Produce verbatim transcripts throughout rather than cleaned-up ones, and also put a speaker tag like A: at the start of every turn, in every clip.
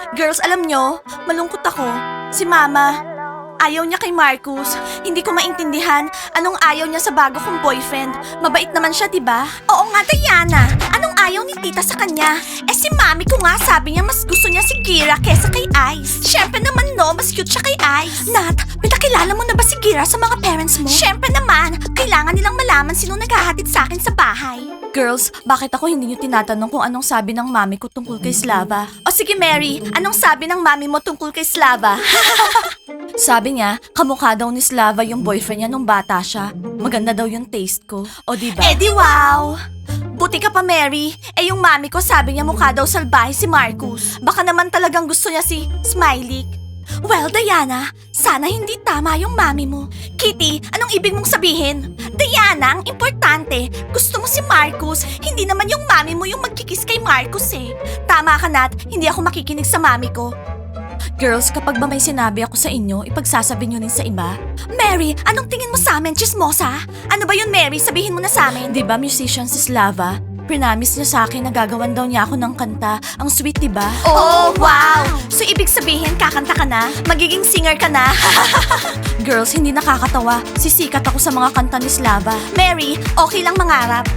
A: Girls, alam nyo, malungkot ako. Si Mama, ayaw niya kay Marcus. Hindi ko maintindihan anong ayaw niya sa bago kong boyfriend. Mabait naman siya, diba? Oo nga, Diana. Anong ayaw ni tita sa kanya? Eh si Mami ko nga sabi niya mas gusto niya si Kira kesa kay Ice. Siyempre naman no, mas cute siya kay Ice. Nat, pinakilala mo na ba si Kira sa mga parents mo? Siyempre naman, kailangan nilang malaman sino naghahatid sa akin sa bahay. Girls, bakit ako hindi niyo tinatanong kung anong sabi ng mami ko tungkol kay Slava? O sige Mary, anong sabi ng mami mo tungkol kay Slava? Sabi niya, kamukha daw ni Slava yung boyfriend niya nung bata siya. Maganda daw yung taste ko. O diba? Eh di wow! Buti ka pa Mary. Eh yung mami ko sabi niya mukha daw salbahe si Marcus. Baka naman talagang gusto niya si Smiley. Well, Diana, sana hindi tama yung mami mo. Kitty, anong ibig mong sabihin? Diana, ang importante, gusto mo si Marcus, hindi naman yung mami mo yung magkikis kay Marcus eh. Tama ka, Nat, hindi ako makikinig sa mami ko. Girls, kapag ba may sinabi ako sa inyo, ipagsasabi nyo rin sa iba? Mary, anong tingin mo sa amin, chismosa? Ano ba yun, Mary? Sabihin mo na sa amin. Di ba musician si Slava? Prinamis niya sa akin na gagawan daw niya ako ng kanta. Ang sweet, di ba? Oh, wow! So, ibig sabihin, kakanta ka na? Magiging singer ka na? Girls, hindi nakakatawa. Sisikat ako sa mga kanta ni Slava. Mary, okay lang mangarap.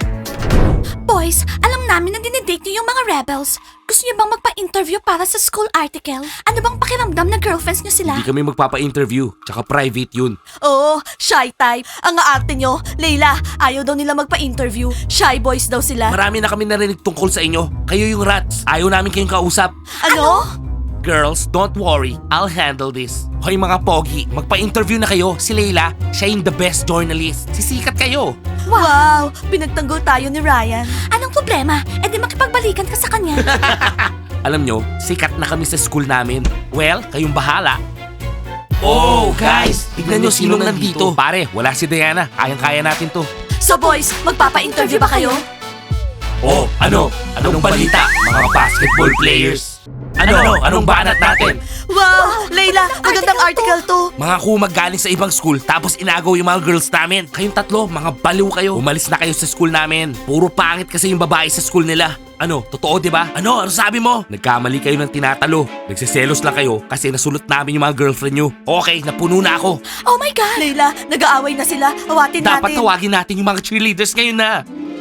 A: Boys, alam namin na dinidate niyo yung mga rebels. Gusto niyo bang magpa-interview para sa school article? Ano bang pakiramdam na girlfriends niyo sila?
B: Hindi kami magpapa-interview, tsaka private yun.
A: Oo, shy type. Ang aarte nyo. Leila, ayaw daw nila magpa-interview. Shy boys daw sila.
B: Marami na kami narinig tungkol sa inyo. Kayo yung rats. Ayaw namin kayong kausap.
A: Ano?
B: Girls, don't worry. I'll handle this. Hoy mga pogi, magpa-interview na kayo. Si Leila, siya yung the best journalist. Sisikat kayo.
A: Wow, pinagtanggol tayo ni Ryan. Anong problema? E di makipagbalikan ka sa kanya.
B: Alam nyo, sikat na kami sa school namin. Well, kayong bahala. Oh, guys! Tignan nyo sinong nandito. Pare, wala si Diana. Kayang-kaya natin to.
A: So boys, magpapa-interview ba kayo?
B: Oh, ano? Anong balita, mga basketball players? Ano? Anong banat natin?
A: Wow, Leila, magandang article to.
B: Mga kumag galing sa ibang school tapos inagaw yung mga girls namin. Kayong tatlo, mga baliw kayo. Umalis na kayo sa school namin. Puro pangit kasi yung babae sa school nila. Ano, totoo di ba? Ano, ano sabi mo? Nagkamali kayo ng tinatalo. Nagsiselos lang kayo kasi nasulot namin yung mga girlfriend nyo. Okay, napuno na ako.
A: Oh my God! Leila, nag-aaway na sila. Awatin
B: Dapat
A: natin.
B: tawagin natin yung mga cheerleaders ngayon na.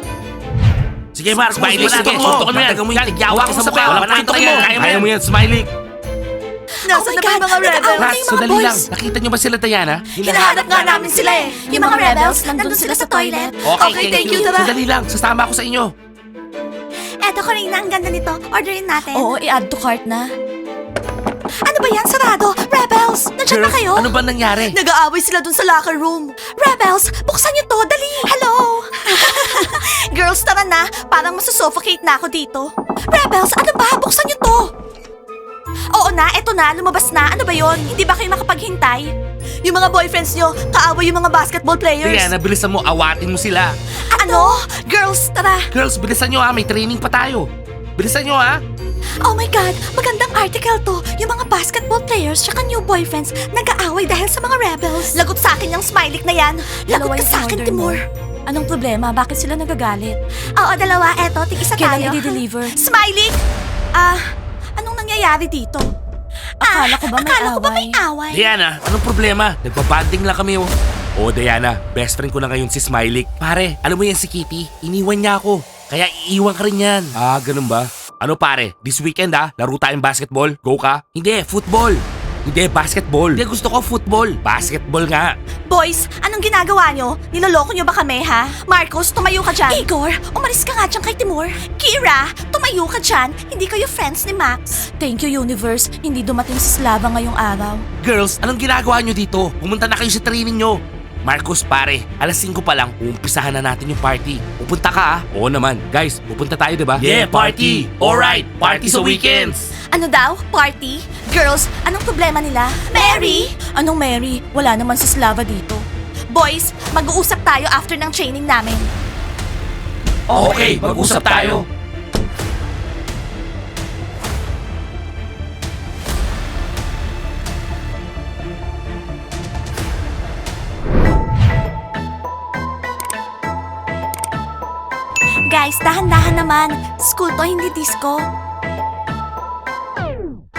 B: Sige Mark, Smiley, sige, suntok mo yan. Yawa ko sa mukha, walang kwento yan. Kaya mo yan, Smiley.
A: Nasaan na ba yung mga rebels?
B: Rats,
A: yung mga
B: sandali
A: boys?
B: lang. Nakita nyo ba sila, Diana?
A: Hinahanap nga namin sila eh. Yung mga rebels, nandun sila sa toilet.
B: Okay, thank, you.
A: Tara.
B: Sandali lang, sasama ako sa inyo.
A: Eto, Karina, ang ganda nito. Orderin natin. Oo, i-add to cart na. Ano ba yan, sarado? Rebels, nandiyan na
B: Girls,
A: kayo?
B: ano ba nangyari?
A: Nag-aaway sila dun sa locker room. Rebels, buksan niyo to, dali! Hello! Girls, tara na. Parang masusuffocate na ako dito. Rebels, ano ba? Buksan niyo to! Oo na, eto na, lumabas na. Ano ba yon? Hindi ba kayo makapaghintay? Yung mga boyfriends nyo, kaaway yung mga basketball players.
B: Diana, bilisan mo, awatin mo sila.
A: Ano? Girls, tara.
B: Girls, bilisan nyo ha, may training pa tayo. Bilisan nyo ha.
A: Oh my God, magandang article to. Yung mga basketball players tsaka new boyfriends nag-aaway dahil sa mga rebels. Lagot sa akin yung Smiley na yan. Lagot ka sa akin, Timur. Anong problema? Bakit sila nagagalit? Oo, dalawa. Eto, tig-isa tayo.
B: Kailan
A: i-deliver? Smiley! Ah, anong nangyayari dito? Akala ko ba may akala ko ba may away?
B: Diana, anong problema? Nagpabanding lang kami oh. Oh, Diana, best friend ko na ngayon si Smiley. Pare, alam mo yan si Kitty? Iniwan niya ako. Kaya iiwan ka rin yan. Ah, ganun ba? Ano pare, this weekend ah, laro tayong basketball? Go ka? Hindi, football. Hindi, basketball. Hindi, gusto ko football. Basketball nga.
A: Boys, anong ginagawa nyo? Niloloko nyo ba kami, ha? Marcos, tumayo ka dyan. Igor, umalis ka nga dyan kay Timur. Kira, tumayo ka dyan. Hindi kayo friends ni Max. Thank you, Universe. Hindi dumating si Slava ngayong araw.
B: Girls, anong ginagawa nyo dito? Pumunta na kayo sa training nyo. Marcos, pare, alas singko pa lang, uumpisahan na natin yung party. Pupunta ka ah. Oo naman. Guys, pupunta tayo, diba?
C: Yeah, party! Alright, party sa weekends!
A: Ano daw? Party? Girls, anong problema nila? Mary! Anong Mary? Wala naman si Slava dito. Boys, mag-uusap tayo after ng training namin.
C: Okay, mag-usap tayo.
A: Guys, dahan-dahan naman. School to, hindi disco.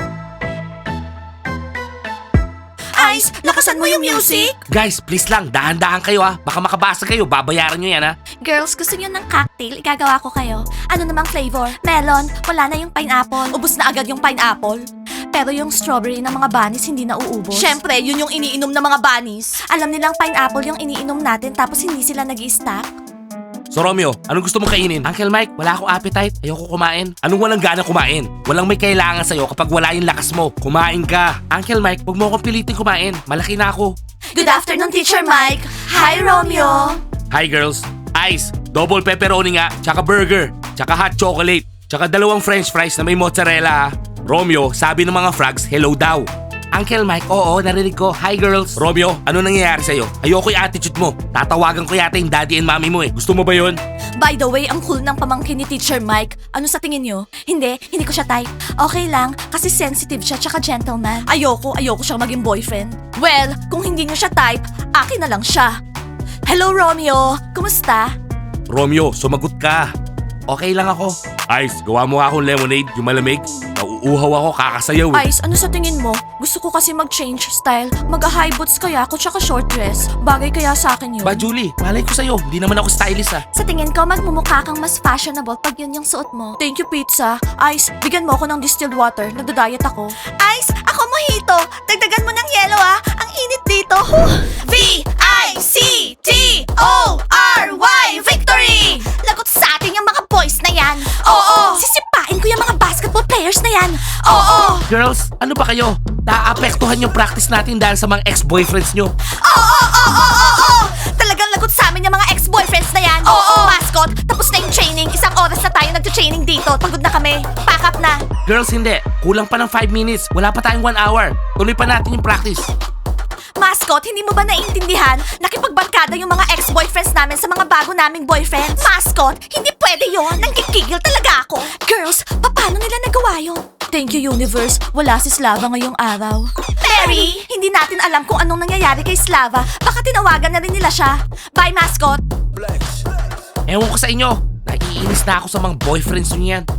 A: Ice, lakasan mo yung music!
B: Guys, please lang, dahan-dahan kayo ha. Baka makabasa kayo, babayaran nyo yan ha.
A: Girls, gusto niyo ng cocktail? Igagawa ko kayo. Ano namang flavor? Melon, wala na yung pineapple. Ubus na agad yung pineapple. Pero yung strawberry ng mga bunnies hindi na uubos. Syempre, yun yung iniinom ng mga bunnies. Alam nilang pineapple yung iniinom natin tapos hindi sila nag-i-stack.
B: So Romeo, anong gusto mong kainin? Uncle Mike, wala akong appetite. Ayoko kumain. Anong walang gana kumain? Walang may kailangan sa'yo kapag wala yung lakas mo. Kumain ka. Uncle Mike, huwag mo akong pilitin kumain. Malaki na ako.
A: Good afternoon, Teacher Mike. Hi, Romeo.
B: Hi girls. Ice, double pepperoni nga, tsaka burger, tsaka hot chocolate, tsaka dalawang french fries na may mozzarella ha. Romeo, sabi ng mga frogs, hello daw. Uncle Mike, oo, narinig ko. Hi girls. Romeo, ano nangyayari sa'yo? Ayoko yung attitude mo. Tatawagan ko yata yung daddy and mommy mo eh. Gusto mo ba yun?
A: By the way, ang cool ng pamangkin ni Teacher Mike. Ano sa tingin nyo? Hindi, hindi ko siya type. Okay lang, kasi sensitive siya tsaka gentleman. Ayoko, ayoko siyang maging boyfriend. Well, kung hindi nyo siya type, akin na lang siya. Hello, Romeo. Kumusta?
B: Romeo, sumagot ka. Okay lang ako. Ice, gawa mo akong lemonade, yung malamig. Nauuhaw ako, kakasayaw eh.
A: Ice, ano sa tingin mo? Gusto ko kasi mag-change style. Mag-high boots kaya ako tsaka short dress. Bagay kaya sa akin yun.
B: Ba Julie, malay ko sa'yo. Hindi naman ako stylist ah.
A: Sa tingin ko, magmumukha kang mas fashionable pag yun yung suot mo. Thank you, pizza. Ice, bigyan mo ako ng distilled water. Nagda-diet ako. Ice, ako mojito. Dagdagan mo ng yellow ah. Ang init dito. V I C T O R Y Victory! Lagot sa atin yung mga boys na yan. Oo! Sisipain ko yung mga basketball players na yan. Oo!
B: Girls, ano ba kayo? Naaapektuhan yung practice natin dahil sa mga ex-boyfriends nyo.
A: Oo! Oo! Oo! Oo! Talagang lagot sa amin yung mga ex-boyfriends na yan. Oo! Mascot, tapos na yung training. Isang oras na tayo nag-training dito. Pagod na kami. Pack up na.
B: Girls, hindi. Kulang pa ng five minutes. Wala pa tayong one hour. Tuloy pa natin yung practice.
A: Mascot, hindi mo ba naiintindihan? Nakipagbarkada yung mga ex-boyfriends namin sa mga bago naming boyfriends. Mascot, hindi pwede yon. Nangkikigil talaga ako. Girls, paano nila nagawa yun? Thank you, Universe. Wala si Slava ngayong araw. Mary, hindi natin alam kung anong nangyayari kay Slava. Baka tinawagan na rin nila siya. Bye, Mascot.
B: Ewan ko sa inyo. Naiinis na ako sa mga boyfriends nyo yan.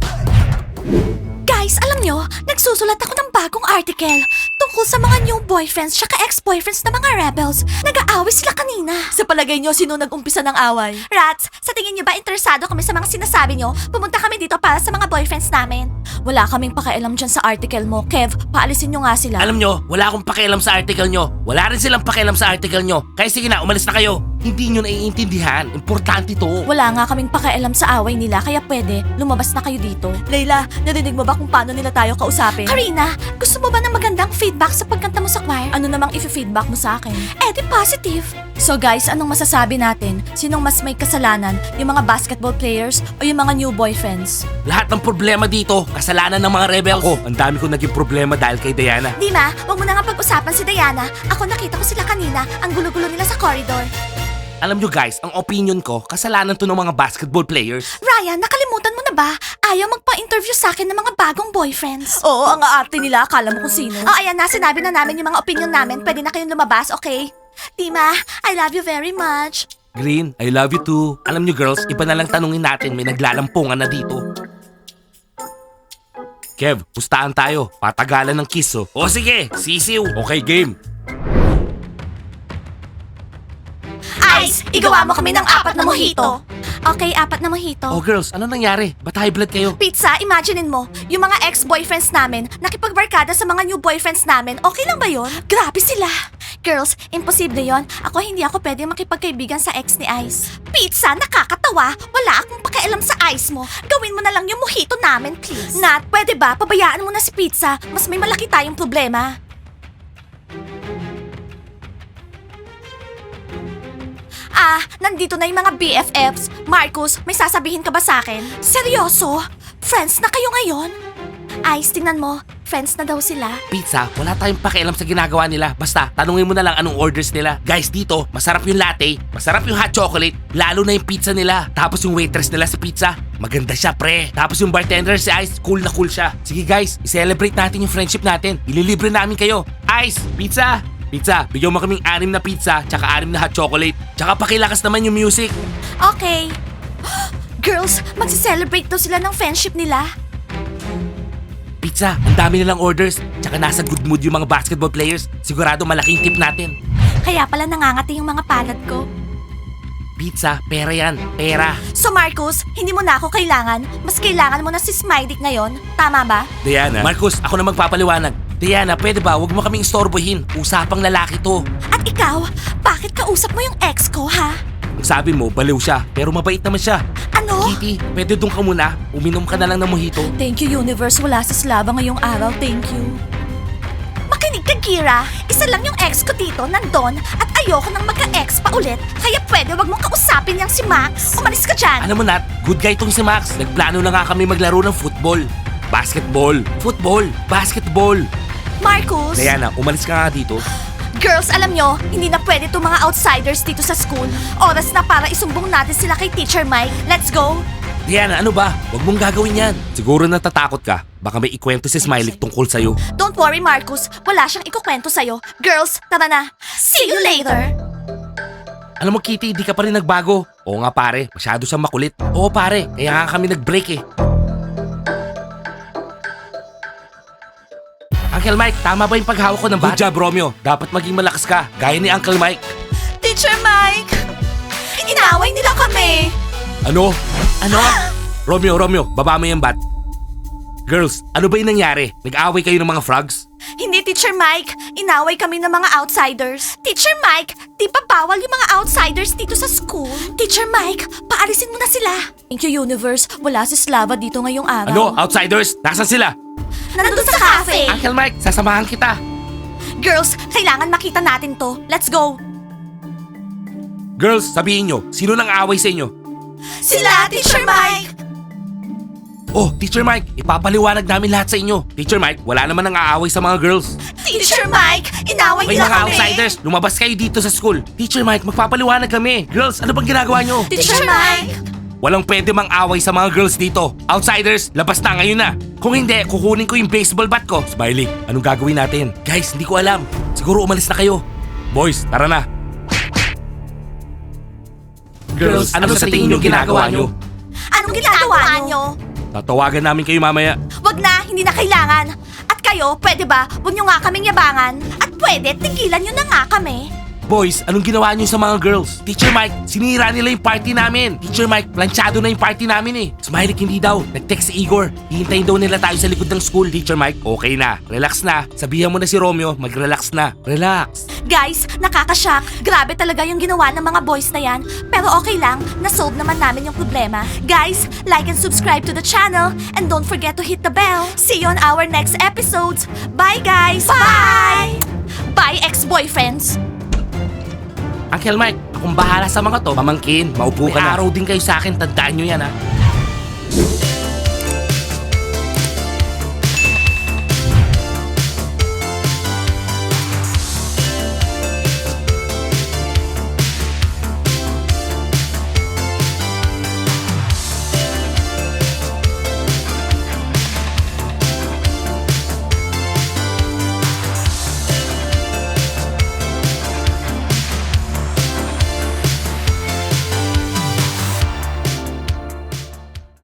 A: Guys, alam nyo, nagsusulat ako ng bagong article tungkol sa mga new boyfriends tsaka ex-boyfriends na mga rebels. Nag-aaway sila kanina. Sa palagay nyo, sino nag-umpisa ng away? Rats, sa tingin nyo ba interesado kami sa mga sinasabi nyo? Pumunta kami dito para sa mga boyfriends namin. Wala kaming pakialam dyan sa article mo. Kev, paalisin nyo nga sila.
B: Alam nyo, wala akong pakialam sa article nyo. Wala rin silang pakialam sa article nyo. Kaya sige na, umalis na kayo. Hindi nyo naiintindihan. Importante to.
A: Wala nga kaming pakialam sa away nila, kaya pwede, lumabas na kayo dito. Layla, narinig mo ba kung paano nila tayo kausapin? Karina, gusto mo ba ng magandang feedback sa pagkanta mo sa choir? Ano namang i-feedback mo sa akin? Eh, di positive. So guys, anong masasabi natin? Sinong mas may kasalanan? Yung mga basketball players o yung mga new boyfriends?
B: Lahat ng problema dito, kasalanan ng mga rebels. Ako, ang dami ko naging problema dahil kay Diana.
A: Dima, wag mo na nga pag-usapan si Diana. Ako nakita ko sila kanina, ang gulo-gulo nila sa corridor.
B: Alam nyo guys, ang opinion ko, kasalanan to ng mga basketball players.
A: Ryan, nakalimutan mo na ba? Ayaw magpa-interview sa akin ng mga bagong boyfriends. Oo, ang aarte nila. Akala mo kung sino. Oh, ayan na. Sinabi na namin yung mga opinion namin. Pwede na kayong lumabas, okay? Dima, I love you very much.
B: Green, I love you too. Alam nyo girls, iba na lang tanungin natin, may naglalampungan na dito. Kev, pustahan tayo. Patagalan ng kiss oh. O sige, sisiw. Okay, game.
A: Ice, igawa mo kami ng apat na mojito. Okay, apat na mojito.
B: Oh girls, ano nangyari? Ba't high blood kayo?
A: Pizza, imaginein mo, yung mga ex-boyfriends namin, nakipagbarkada sa mga new boyfriends namin, okay lang ba yon? Grabe sila! Girls, imposible yon. Ako hindi ako pwede makipagkaibigan sa ex ni Ice. Pizza, nakakatawa. Wala akong pakialam sa Ice mo. Gawin mo na lang yung mojito namin, please. Nat, pwede ba? Pabayaan mo na si Pizza. Mas may malaki tayong problema. Ah, nandito na yung mga B F Fs. Marcus, may sasabihin ka ba sa akin? Seryoso? Friends na kayo ngayon? Ice, tingnan mo. Friends na daw sila.
B: Pizza, wala tayong pakialam sa ginagawa nila. Basta, tanungin mo na lang anong orders nila. Guys, dito, masarap yung latte, masarap yung hot chocolate, lalo na yung pizza nila. Tapos yung waitress nila sa pizza, maganda siya, pre. Tapos yung bartender si Ice, cool na cool siya. Sige guys, i-celebrate natin yung friendship natin. Ililibre namin kayo. Ice, pizza! Pizza, bigyan mo kaming anim na pizza, tsaka anim na hot chocolate. Tsaka pakilakas naman yung music.
A: Okay. Girls, magsi-celebrate daw sila ng friendship nila.
B: Pizza, ang dami nilang orders. Tsaka nasa good mood yung mga basketball players. Sigurado malaking tip natin.
A: Kaya pala nangangati yung mga palad ko.
B: Pizza, pera yan. Pera.
A: So Marcus, hindi mo na ako kailangan. Mas kailangan mo na si Smiley ngayon. Tama ba?
B: Diana. Marcus, ako na magpapaliwanag. Diana, pwede ba? Huwag mo kaming istorbohin. Usapang lalaki to.
A: At ikaw, bakit kausap mo yung ex ko, ha?
B: Ang sabi mo, baliw siya. Pero mabait naman siya.
A: Ano?
B: Kitty, pwede doon ka muna. Uminom ka na lang ng mojito.
A: Thank you, Universe. Wala si Slava ngayong araw. Thank you. Makinig ka, Kira. Isa lang yung ex ko dito, nandun. At ayoko nang magka-ex pa ulit. Kaya pwede wag mong kausapin yang si Max. Umalis ka dyan.
B: Alam mo Nat, good guy tong si Max. Nagplano na nga kami maglaro ng football. Basketball. Football. Basketball.
A: Marcus.
B: Diana, umalis ka nga dito.
A: Girls, alam nyo, hindi na pwede itong mga outsiders dito sa school. Oras na para isumbong natin sila kay Teacher Mike. Let's go!
B: Diana, ano ba? Huwag mong gagawin yan. Siguro natatakot ka. Baka may ikwento si Smiley tungkol sa'yo.
A: Don't worry, Marcus. Wala siyang ikukwento sa'yo. Girls, tara na. See you later!
B: Alam mo, Kitty, di ka pa rin nagbago. Oo nga pare, masyado siyang makulit. Oo pare, kaya nga kami nag-break eh. Uncle Mike, tama ba yung paghawak ko ng bat? Good job, Romeo. Dapat maging malakas ka, gaya ni Uncle Mike.
A: Teacher Mike! Inaway nila kami!
B: Ano? Ano? Romeo, Romeo, baba mo yung bat. Girls, ano ba yung nangyari? Nag-away kayo ng mga frogs?
A: Hindi, Teacher Mike. Inaway kami ng mga outsiders. Teacher Mike, di ba bawal yung mga outsiders dito sa school? Teacher Mike, paalisin mo na sila. Thank you, Universe. Wala si Slava dito ngayong araw.
B: Ano? Outsiders? Nasaan sila?
A: Nandun sa cafe.
B: Uncle Mike, sasamahan kita.
A: Girls, kailangan makita natin to. Let's go.
B: Girls, sabihin nyo, sino nang away sa inyo?
A: Sila, Teacher Mike!
B: Oh, Teacher Mike, ipapaliwanag namin lahat sa inyo. Teacher Mike, wala naman nang aaway sa mga girls.
A: Teacher Mike, inaway
B: May
A: nila
B: mga
A: kami.
B: outsiders, lumabas kayo dito sa school. Teacher Mike, magpapaliwanag kami. Girls, ano bang ginagawa nyo?
A: Teacher Mike!
B: Walang pwede mang away sa mga girls dito. Outsiders, labas na ngayon na. Kung hindi, kukunin ko yung baseball bat ko. Smiley, anong gagawin natin? Guys, hindi ko alam. Siguro umalis na kayo. Boys, tara na. Girls, ano, sa tingin nyo ginagawa nyo?
A: Anong ginagawa nyo?
B: Tatawagan namin kayo mamaya.
A: Wag na, hindi na kailangan. At kayo, pwede ba, huwag nyo nga kaming yabangan? At pwede, tigilan nyo na nga kami.
B: Boys, anong ginawa niyo sa mga girls? Teacher Mike, sinira nila yung party namin. Teacher Mike, planchado na yung party namin eh. Smiley, hindi daw. Nag-text si Igor. Hihintayin daw nila tayo sa likod ng school. Teacher Mike, okay na. Relax na. Sabihan mo na si Romeo, mag-relax na. Relax.
A: Guys, nakakashock. Grabe talaga yung ginawa ng mga boys na yan. Pero okay lang, nasolve naman namin yung problema. Guys, like and subscribe to the channel. And don't forget to hit the bell. See you on our next episodes. Bye guys! Bye! Bye ex-boyfriends!
B: Uncle Mike, akong bahala sa mga to. Pamangkin, maupo ka na. May araw din kayo sa akin, tandaan nyo yan ha.